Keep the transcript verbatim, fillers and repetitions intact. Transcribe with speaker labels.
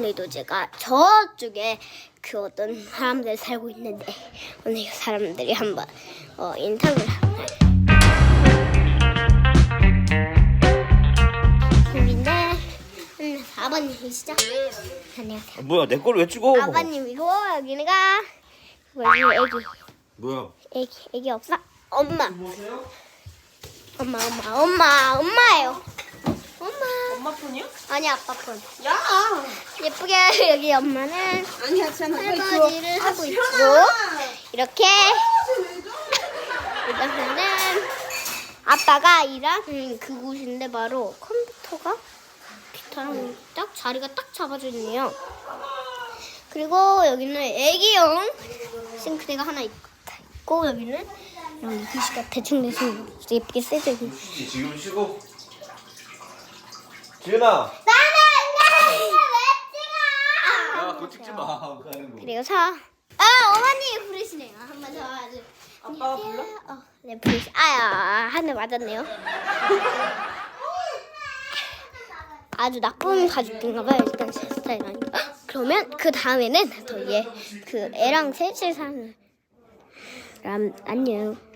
Speaker 1: 그래도 제가 저쪽에 그 어떤 사람들 살고 있는데 오늘 그 사람들이 한번 어, 인터뷰를 하나요? 근데 음, 아버님이시죠? 안녕하세요.
Speaker 2: 아, 뭐야 내 걸 왜 찍어?
Speaker 1: 아버님이고 여기가 여기 애기
Speaker 2: 뭐야?
Speaker 1: 애기 애기 없어? 엄마. 엄마 엄마 엄마 엄마예요. 엄마.
Speaker 3: 엄마 폰이야?
Speaker 1: 아니 아빠 폰.
Speaker 3: 야!
Speaker 1: 예쁘게 여기 엄마는
Speaker 3: 아니야, 쟤는
Speaker 1: 설거지를 하고 있고 이렇게 이러면은 아빠가 일하는 그곳인데 바로 컴퓨터가 기타랑 딱 자리가 딱 잡아져 있네요. 그리고 여기는 애기용 싱크대가 하나 있고 여기는 이런 글씨가 대충 대충 예쁘게 쓰여져 있는.
Speaker 2: 지금 쉬고. 지은아.
Speaker 1: 나는 왜
Speaker 2: 야 그거 찍지 마. 가는 거.
Speaker 1: 그리고 사. 아 어머니 부르시네요. 한번 더 아주.
Speaker 3: 아빠가 불러?
Speaker 1: 어, 네 부르시. 아야 한 대 맞았네요. 아주 나쁜 가족인가봐요. 일단 제 스타일이니까. 그러면 그 다음에는 더 얘 그 애랑 셋이 사는. 람 안녕.